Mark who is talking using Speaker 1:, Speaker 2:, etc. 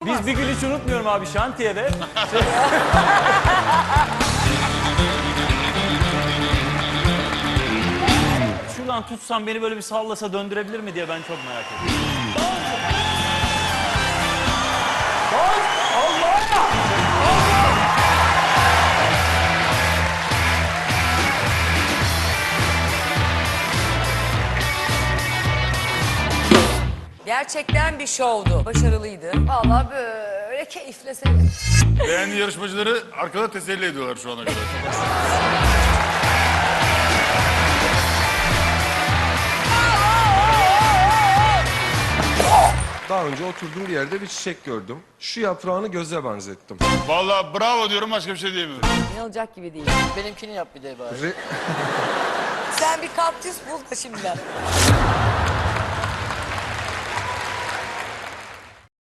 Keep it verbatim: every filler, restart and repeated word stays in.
Speaker 1: Biz bir gün hiç unutmuyorum abi şantiyede. Şuradan tutsam beni böyle bir sallasa döndürebilir mi diye ben çok merak ediyorum.
Speaker 2: Gerçekten bir şovdu. Başarılıydı.
Speaker 3: Vallahi böyle keyifle seyrettim.
Speaker 4: Beğendiği yarışmacıları arkada teselli ediyorlar şu ana kadar.
Speaker 5: Daha önce oturduğum bir yerde bir çiçek gördüm. Şu yaprağını göze benzettim.
Speaker 4: Vallahi bravo diyorum, başka bir şey diyemiyorum.
Speaker 2: İnanılacak gibi değil.
Speaker 6: Benimkini yap bir de bari.
Speaker 5: Re-
Speaker 2: Sen bir kaktüs bul da şimdiden.